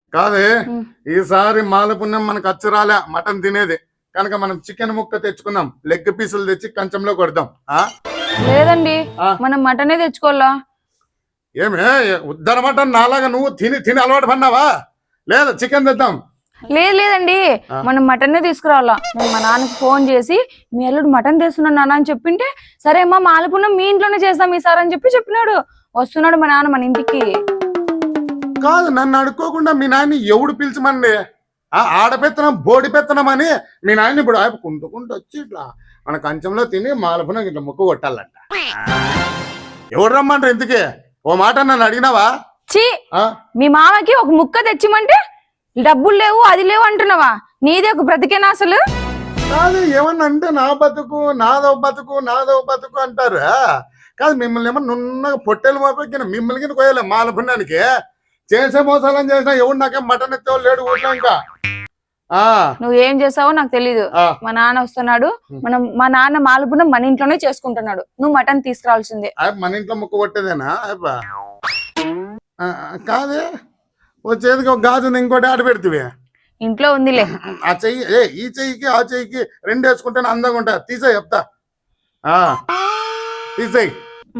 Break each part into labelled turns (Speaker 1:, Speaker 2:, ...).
Speaker 1: కాదే ఈసారి మాలపుణ్యం మనకు అచ్చు రాలే మటన్ తినేది కనుక మనం చికెన్ ముక్క తెచ్చుకుందాం లెగ్ పీసులు తెచ్చి కంచంలో కొడదాం
Speaker 2: లేదండి మనం మటనే తెచ్చుకోవాలా.
Speaker 1: ఏమే ఉద్దర మటన్ నాలాగా నువ్వు తిని తిని అలవాటు పడినావా? లేదా చికెన్ తెద్దాం.
Speaker 2: లేదండి మనం మటనే తీసుకురావాలా. నేను మా నాన్నకి ఫోన్ చేసి మీ అల్లుడు మటన్ తెస్తున్నాడు నాన్న అని చెప్పింటే సరే అమ్మా మాలపుణ్యం మీ ఇంట్లోనే చేస్తాం ఈసారి అని చెప్పినాడు. వస్తున్నాడు మా నాన్న మన ఇంటికి.
Speaker 1: కాదు నన్ను అడుక్కోకుండా మీ నాయన్ని ఎవడు పిలిచమండి? ఆడపెత్తనం బోడి పెత్తనం అని మీ నాయన్ని ఇప్పుడు కుంటుకుంటూ వచ్చి ఇట్లా మన కంచంలో తిని మాలపుణ్యం ఇట్లా ముక్కు కొట్టాలంట. ఎవడు రమ్మంటారు ఇంతకీ? ఓ మాట నన్ను అడిగినావా?
Speaker 2: చీ మీ మామకి ఒక ముక్క తెచ్చిమంటే డబ్బులు లేవు అది లేవు అంటున్నావా? నీదే ఒక బ్రతికేనా అసలు?
Speaker 1: కాదు ఏమన్నా అంటే నా బతుకు నాదో బతుకు అంటారు. కాదు మిమ్మల్ని ఏమన్నా నున్నగా పొట్టెలు మోపెక్కిన మిమ్మల్ని కోయలే మాలపుణ్యానికి. చేసే మోసాలని చేసినా ఎవడు నాకేం మటన్ ఎత్తేవాళ్ళు లేడు ఊళ్ళో. ఇంకా
Speaker 2: నువ్వు ఏం చేసావో నాకు తెలీదు. మా నాన్న వస్తున్నాడు, మా నాన్న మాలపుణ్యం మన ఇంట్లోనే చేసుకుంటున్నాడు. నువ్వు మటన్ తీసుకురావాల్సిందే.
Speaker 1: మన ఇంట్లో ముక్క కొట్టేదేనా? కాదే వచ్చేదికి ఒక గాజు ఇంకోటి ఆడ పెడితే
Speaker 2: ఇంట్లో ఉందిలే.
Speaker 1: ఆ చెయ్యి ఈ చెయ్యికి ఆ చెయ్యికి రెండు వేసుకుంటేనే అందంగా ఉంటా. తీసేయి చెప్తా. తీసేయి.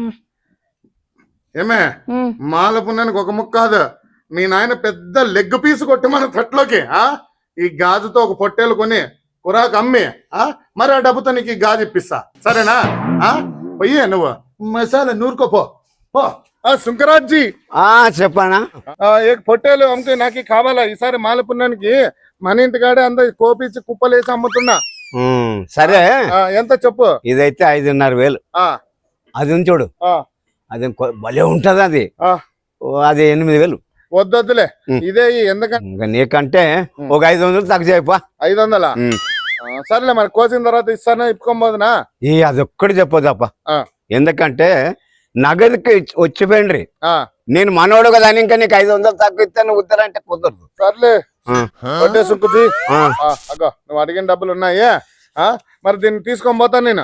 Speaker 1: ఏమే మాలపుణ్యానికి ఒక ముక్క కాదు మీ నాయన పెద్ద లెగ్ పీసు కొట్టి మన తట్లోకి ఈ గాజుతో ఒక పొట్టేలు కొని కురాకు అమ్మి మరి ఆ డబ్బుతో నీకు ఈ గాజు ఇప్పిస్తా. సరేనా? పోయి నువ్వు మసాలా నూరుకోపో. శంకరాజ్ జీ
Speaker 3: చెప్పనా?
Speaker 1: పొట్టేలు అమ్ముకు నాకు కావాలా ఈసారి మాలపుణ్యానికి. మన ఇంటికాడే అందరు కోపించి కుప్పలేసి అమ్ముతున్నా.
Speaker 3: సరే
Speaker 1: ఎంత చెప్పు?
Speaker 3: ఇదైతే 5,500,000. అది ఉంచోడు, అది భలే ఉంటది. అది 8,000.
Speaker 1: వద్దొద్దులే ఇదే. ఎందుకంటే
Speaker 3: నీకంటే ఒక 500 తక్కువ చేయపా.
Speaker 1: 500? సరేలే మరి కోసిన తర్వాత ఇస్తాను ఇప్పుకోబోదునా?
Speaker 3: అదొక్కటి చెప్పదప్ప. ఎందుకంటే నగదుకి వచ్చిపోయిండ్రి. నేను మనోడు కదా అని ఇంకా నీకు 500 తక్కువ ఇస్తాను ఉత్తరంటే కుదరదు.
Speaker 1: సర్లే సుక్కుజీ అగో నువ్వు అడిగిన డబ్బులు ఉన్నాయే. మరి దీన్ని తీసుకొని పోతాను నేను.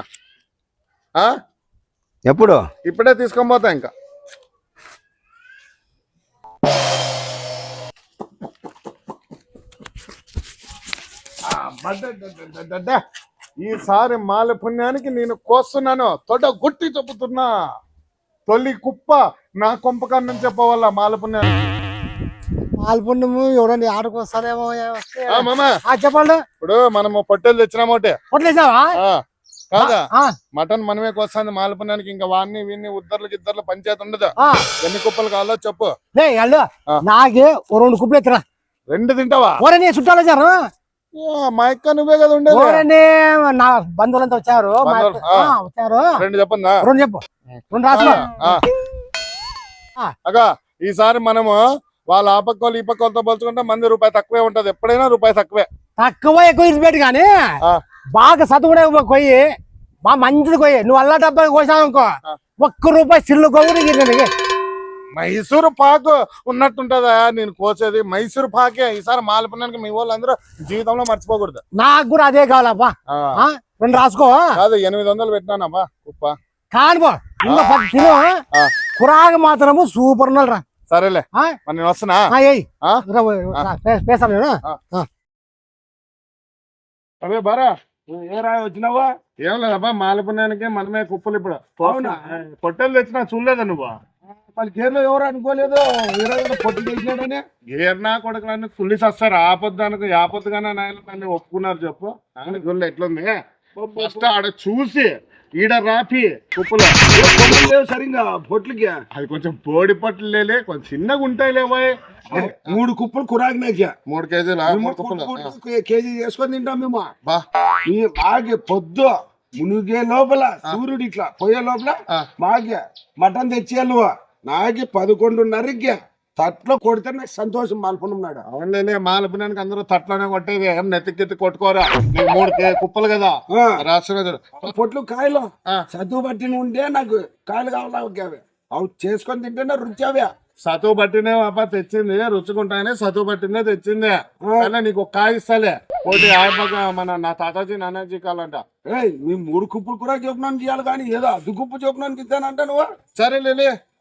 Speaker 3: ఎప్పుడు?
Speaker 1: ఇప్పుడే తీసుకొని పోతా. ఇంకా ఈసారి మాలపుణ్యానికి నేను కోస్తున్నాను. తొడ గుట్టి చెబుతున్నా. తొలి కుప్ప నా కొంపకన్నం చెప్పవల్ల మాలపుణ్యానికి.
Speaker 4: మాలపుణ్యము ఎవరండి ఆడకు వస్తారేమో.
Speaker 1: చెప్పండి. ఇప్పుడు మనము పొట్టేలు తెచ్చినామోటే
Speaker 4: పొట్టేసావా?
Speaker 1: కాదా మటన్ మనమే కోస్తుంది మాలపుణ్యానికి. ఇంకా వాడిని వీడిని ఇద్దర్లు పంచాయతీ ఉండదు. ఎన్ని కుప్పలు కావాలో చెప్పు.
Speaker 4: నాకే 2 కుప్పలు ఎత్తరా.
Speaker 1: 2 తింటావా?
Speaker 4: చుట్టాలు వచ్చారు.
Speaker 1: మా అక్క నువ్వే కదా ఉండేది.
Speaker 4: నా బంధువులంతా వచ్చారు.
Speaker 1: 2 చెప్పందా?
Speaker 4: 2 చెప్పు. 2 రాసుకో.
Speaker 1: అగా ఈసారి మనము వాళ్ళ ఆ పక్క వాళ్ళు ఈ పక్క వాళ్ళతో పోల్చుకుంటే మంది రూపాయి తక్కువే ఉంటది. ఎప్పుడైనా రూపాయి తక్కువే.
Speaker 4: తక్కువ ఎక్కువ ఇరిచిపెట్టు కానీ బాగా చదువుకునే కొయ్యి బాగా మంచిది కొయ్యి. నువ్వు అల్లా డబ్బా కోసావు అనుకో ₹1 సిల్లు కొవ్వు.
Speaker 1: మైసూరు పాకు ఉన్నట్టుంటదా నేను కోసేది? మైసూరు పాకే. ఈసారి మాలపుణ్యానికి మీ వాళ్ళందరూ జీవితంలో మర్చిపోకూడదు.
Speaker 4: నాకు కూడా అదే కావాలబ్బా. 2 రాసుకో.
Speaker 1: కాదు 800 పెట్టినానబ్బా కుప్ప.
Speaker 4: కానిపో తిను. కురాగా మాత్రము సూపర్ ఉన్నరా.
Speaker 1: సరేలే మరి నేను వస్తున్నా. అదే బారా
Speaker 3: ఏ రాయి వచ్చినావా?
Speaker 1: ఏం లేదబ్బా మాలపుణ్యానికి మనమే కుప్పలు. ఇప్పుడు పొట్టెలు తెచ్చినా చూడలేదా నువ్వు?
Speaker 3: మరి గేర్లో ఎవరు అనుకోలేదు పొట్టు చేసినాడని.
Speaker 1: గేర్నా కొడుకులన్నీ కుల్లిసి వస్తారు. ఆపొద్దానికి ఆపొద్దుగానే నాయన ఒప్పుకున్నారు. చెప్పు గుళ్ళు ఎట్లుంది? ఫస్ట్ ఆడ చూసి ఈడ రాపి కుప్పలు
Speaker 3: సరిగా పొట్లకి
Speaker 1: అది కొంచెం బోడి పొట్లు లేలే కొంచెం చిన్నగా ఉంటాయి లేవాయ్.
Speaker 3: 3 కుప్పలు కురాకినాక
Speaker 1: 3 కేజీలు
Speaker 3: కేజీ చేసుకొని తింటాం మేము. బాగా పొద్దు మునిగే లోపల సూర్యుడు ఇట్లా పోయే లోపల మాకే మటన్ తెచ్చేయాలి. నువ్వు నాకి 11:30కి తట్లో కొడితే నాకు సంతోషం. మాలపుణ్యం
Speaker 1: అవునులే మాలపుణ్యానికి అందరూ తట్లోనే కొట్టేది. ఏం నెత్తికెత్తి కొట్టుకోరా. 3 కుప్పలు కదా రాష్ట్ర
Speaker 3: పొట్లు కాయలు చదువు పట్టిన ఉంటే నాకు కాయలు కావాలి. అవి చేసుకొని తింటేనే రుచి. అవే
Speaker 1: సతువు పట్టినే పాప తెచ్చింది. రుచుకుంటానే సతువు పట్టిందే తెచ్చింది. నీకు ఒక కాయ ఇస్తాలే. ఒకటి ఆయపక మన నా తాతాజీ నానాజీ కాలంట.
Speaker 3: మీ 3 కుప్పలు కూడా చెప్పినాను చేయాలి కానీ ఏదో 10 కుప్పు చెప్పినానికి ఇస్తానంట నువ్వు.
Speaker 1: సరేలే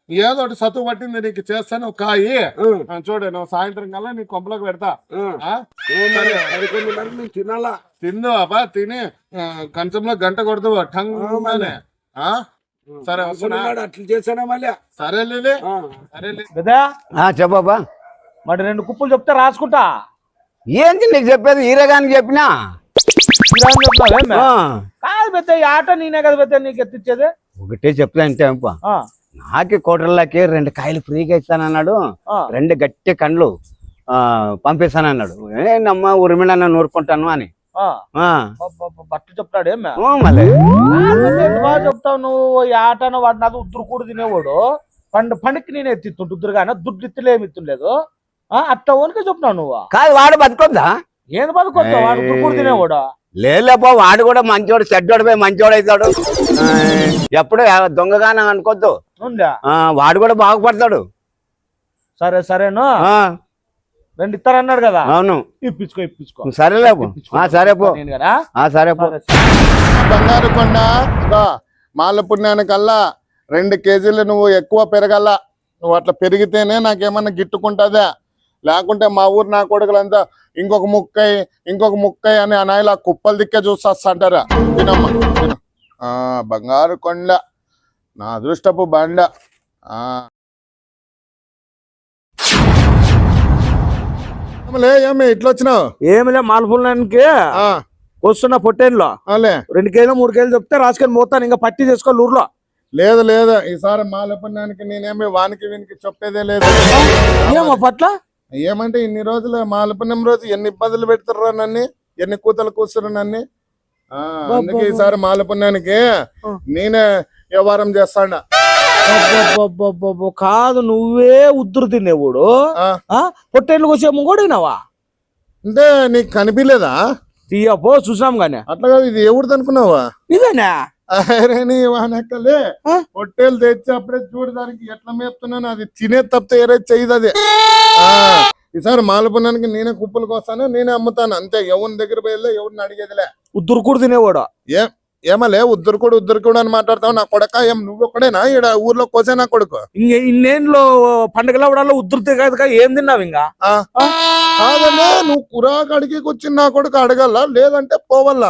Speaker 1: ఏదో ఒకటి సత్తువు పట్టింది నీకు చేస్తాను ఒక కాయి చూడు నువ్వు సాయంత్రం కల్లా నీ కొంపలోకి పెడతా ఆ? సరే.
Speaker 3: 11:30 నేను తినాలా
Speaker 1: తిందు అబ్బా తిని కంచంలో గంట కొడతావు టంగ్ ఆ సరే వస్తున్నా
Speaker 3: అట్లా చేసానా మళ్ళీ
Speaker 1: సరే లీలి. సరే లీలి.
Speaker 5: కదా
Speaker 4: చెప్పబ్బా
Speaker 5: మరి 2 కుప్పలు చెప్తే రాసుకుంటా
Speaker 4: ఏంటి నీకు చెప్పేది ఈరగానికి చెప్పినా
Speaker 5: ఇలా అని చెప్తావేమే? కాదు పెద్ద ఈ ఆట నేనే కదా పెద్ద నీకు ఎత్తిచ్చేది
Speaker 4: ఒకటే చెప్తా అంటే
Speaker 5: ఆ,
Speaker 4: నాకి కోటర్లకి 2 కాయలు ఫ్రీగా ఇస్తానన్నాడు
Speaker 5: ఆ.
Speaker 4: 2 గట్టి కండ్లు పంపిస్తానన్నాడు ఏంటమ్మా ఉరిమిళ నూరుకుంటాను అని
Speaker 5: ఆ.
Speaker 4: ఆ.
Speaker 5: బట్టు చెప్తాడు ఏమే
Speaker 4: మళ్ళీ
Speaker 5: ఎంత బాగా చెప్తావు నువ్వు ఈ ఆటను వాడు నాది ఉద్దురు కూడా తినేవాడు పండుకి నేను ఎత్తిస్తుంటు ఉద్దురుగానే దుడ్డు ఇత్తులు ఏమి ఇత్తుండలేదు అట్లా ఓనికే చెప్తున్నావు నువ్వు
Speaker 4: కాదు వాడు బతుకొద్దా
Speaker 5: ఏంది బతుకొస్తావు వాడు ఉద్దురు కూడా తినేవాడు
Speaker 4: లేపో వాడు కూడా మంచోడు చెడ్డోడు పోయి మంచోడు అవుతాడు ఎప్పుడు దొంగగానే అనుకోద్దు
Speaker 5: ఉందా
Speaker 4: వాడు కూడా బాగుపడతాడు
Speaker 5: సరే సరేను
Speaker 4: ఆ,
Speaker 5: 2 ఇస్తారన్నాడు కదా
Speaker 4: అవును
Speaker 5: ఇప్పించుకో
Speaker 4: సరేలేపు సరే పో
Speaker 5: నేను కదా
Speaker 4: సరే పో
Speaker 1: బంగారు కొండ మాల పుణ్యానికల్లా 2 కేజీలు నువ్వు ఎక్కువ పెరగల నువ్వు అట్లా పెరిగితేనే నాకేమన్నా గిట్టుకుంటుందా లేకుంటే మా ఊరు నా కొడుకులంతా ఇంకొక ముక్కై అని అనాయిలా కుప్పలు దిక్కే చూస్తాంటారా తినమ్మా తిను బంగారు కొండ నా అదృష్టపు బండ ఏమి ఇట్లా వచ్చినావు
Speaker 5: ఏమిలే మాల్పుల్లానికి వస్తున్న పొట్టేన్లో 2 కేజీలు 3 కేజీలు చెప్తే రాసుకొని పోతాను ఇంకా పట్టి చేసుకోవాలి ఊర్లో
Speaker 1: లేదు లేదు ఈసారి మాల పుణ్యానికి నేనేమి వానికి వీనికి చెప్పేదే లేదు
Speaker 5: ఏమో పట్ల
Speaker 1: ఏమంటే ఇన్ని రోజులు మాల పుణ్యం రోజు ఎన్ని ఇబ్బందులు పెడుతుర్రా నన్ను ఎన్ని కూతలు కూర్చురు నన్ను అందుకే ఈసారి మాల పుణ్యానికి నేనే వ్యవహారం చేస్తాడా
Speaker 5: కాదు నువ్వే ఉద్దురు తినేవాడు పొట్టేళ్ళు కోసేమో కూడా వినావా
Speaker 1: అంటే నీకు కనిపించలేదా
Speaker 5: తీయపో చూసాం గానే
Speaker 1: అట్లా కాదు ఇది ఎవరిది అనుకున్నావా
Speaker 5: ఇదేనా
Speaker 1: అరే నీ వానక్కలే పొట్టేలు తెచ్చి అప్పుడే చూడడానికి ఎట్లా మేపుతున్నాను అది తినే తప్పితే ఏరే చేయదు అది ఈసారి మాల పుణ్యానికి నేనే కుప్పలకు వస్తాను నేనే అమ్ముతాను అంతే ఎవరి దగ్గర పోయలే ఎవరిని అడిగేదిలే
Speaker 5: ఉద్దురు కూడా తినేవాడు
Speaker 1: ఏమలే ఉద్దరుకుడు అని మాట్లాడతావు నా కొడక ఏం నువ్వు ఒక్కడేనా ఈడ ఊర్లో కోసే నా కొడుకు
Speaker 5: ఇన్నేళ్ళు పండుగల అవడాలో ఉద్దురుతే కాదు ఏం తిన్నావు ఇంకా
Speaker 1: కాదన్నా నువ్వు కురాకు అడిగి వచ్చి నా కొడుకు అడగల లేదంటే పోవల్లా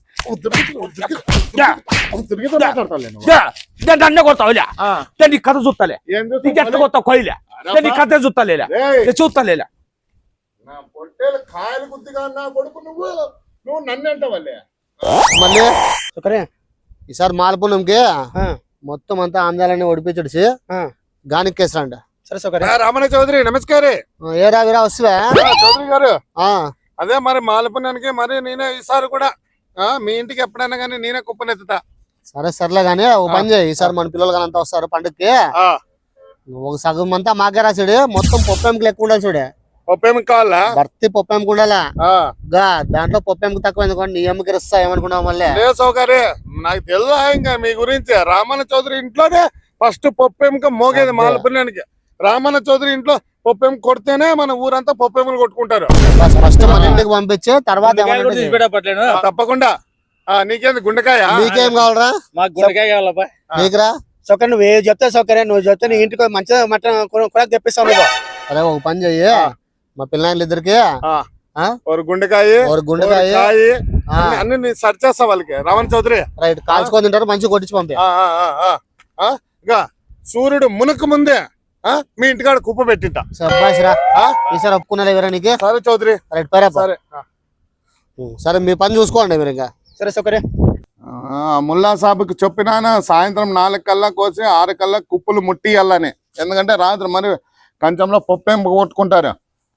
Speaker 5: అన్నీ కొడతావులే నీ కథ చూస్తాలే నీకు ఎట్లా కొత్తావు కొయ్యలే నీ కథ చూస్తాలే చూస్తాలే
Speaker 1: నా పొట్టేలు కాయలు గుద్దిగా నా కొడుకు నువ్వు నన్ను అంటావల్లే
Speaker 6: మళ్ళీ సరే ఈసారి మాలపుణంకి మొత్తం అంతా ఆందాలని ఒడిపించడిసి గానికేసరండి
Speaker 4: సరే సరే
Speaker 1: రామణ చౌదరి నమస్కారే
Speaker 6: ఏ రావిరా వస్తువే
Speaker 1: చౌదరి గారు అదే మరి మాలపుణ్యానికి మరి నేనే ఈసారి కూడా మీ ఇంటికి ఎప్పుడైనా కానీ నేనే కుప్పనెత్తుతా
Speaker 6: సరే సర్లే గానీ ఓ పని చేయి ఈసారి మన పిల్లలు కానీ అంతా వస్తారు పండుగకి ఒక సగం అంతా మాకే రాసాడు మొత్తం పొప్పెంకి లెక్క ఉండాలి చూడే
Speaker 1: పప్పేమి కావాలా
Speaker 6: భర్తీ పొప్పెంకి ఉండాలా దాంట్లో పొప్పెంకి తక్కువ ఎందుకంటే నీ అమ్మకి ఇస్తా ఏమనుకున్నావు మళ్ళీ
Speaker 1: లేదు సౌకర్య నాకు తెలుసా ఇంకా మీ గురించి రామణ చౌదరి ఇంట్లోనే ఫస్ట్ పప్పేమిక మోగేది మాలపుణ్యానికి రామణ చౌదరి ఇంట్లో పప్పేమి కొడితేనే మన ఊరంతా పప్పేములు కొట్టుకుంటారు
Speaker 6: ఫస్ట్ మన ఇంటికి పంపించి తర్వాత
Speaker 1: తప్పకుండా నీకేంది గుండెకాయ
Speaker 6: నీకేం కావాలరా
Speaker 5: మాకు గుండెకాయ కావాలబ్బా
Speaker 6: నీకురా
Speaker 4: సౌకర్యం నువ్వు చెప్తే సౌకర్యం నువ్వు చెప్తే నీ ఇంటికి మంచిగా మటన్ కూడా తెప్పిస్తావు నువ్వు
Speaker 6: సరే ఒక పని చెయ్యి మా పిల్లలు ఇద్దరికి
Speaker 1: ఒక గుండెకాయ అన్ని సెర్చ్ చేస్తా వాళ్ళకి రామణ చౌదరి
Speaker 6: రైట్ కాల్చుకొని తింటారు మంచిగా కొట్టించి పంపి
Speaker 1: సూర్యుడు మునక ముందే మీ ఇంటికాడ కుప్ప పెట్టింటా
Speaker 6: సబ్బాసిరా ఈసారి ఒప్పుకున్నారా ఎవరా నీకు
Speaker 1: సరే చౌదరి
Speaker 6: రైట్ సరే సరే మీ పని చూసుకోండి మీరు ఇంకా
Speaker 4: సరే సౌకర్యం
Speaker 1: ముల్లా సాబుకి చెప్పినానా సాయంత్రం 4 కల్లా కోసి 6 కల్లా కుప్పలు ముట్టియాలని ఎందుకంటే రాత్రి మరి కంచంలో పప్పేం కొట్టుకుంటారు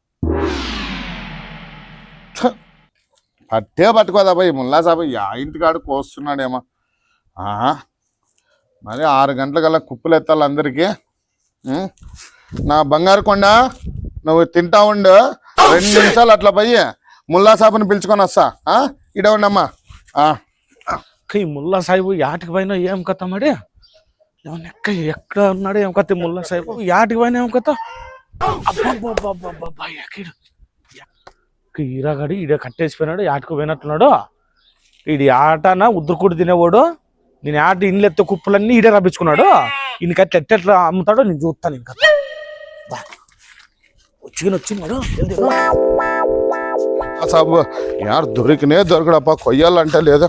Speaker 1: పట్టే పట్టుకోదా పోయి ముల్లా సాబు ఇంటికాడు కోస్తున్నాడేమో మరి 6 గంటలకల్లా కుప్పలు ఎత్తాలి అందరికీ నా బంగారు కొండ నువ్వు తింటా ఉండు 2 నిమిషాలు అట్లా పోయి ముల్లా సాబుని పిలుచుకొని వస్తా ఇడ ఉండమ్మా
Speaker 5: ఈ ముల్లా సాహిబు యాటికి పైన ఏం కథ మరి ఎక్కడ ఉన్నాడు ఏం కథ ముల్లా సాహిబు యాటికి పైన ఏం కథ ఈరాగాడి ఈడ కట్టేసిపోయినాడు యాటికి పోయినట్టున్నాడు ఈడి ఆటన ఉద్దురుకుడు తినేవాడు నేను ఆట ఇండ్లు ఎత్తే కుప్పలన్నీ ఈడే రప్పించుకున్నాడు ఇంకట్లా ఎట్లా అమ్ముతాడో నేను చూస్తాను ఇంకా వచ్చింది వాడు
Speaker 1: సాబు యారు దొరికినే దొరకడప్ప కొయ్యాలంటే లేదా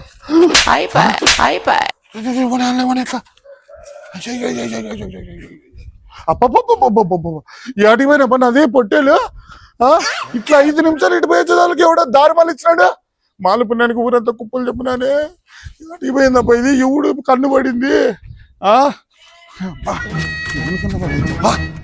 Speaker 1: ఏటికి పోయినా పని అదే పొట్టేలు ఇట్లా 5 నిమిషాలు ఇటు పోయేదానికి ఎవడో దారి మళ్ళీ ఇచ్చినాడు మాల పుణ్యానికి ఊరంతా కుప్పలు చెప్పినానే ఏటికి పోయిందప్ప ఇది ఎవడు కన్ను పడింది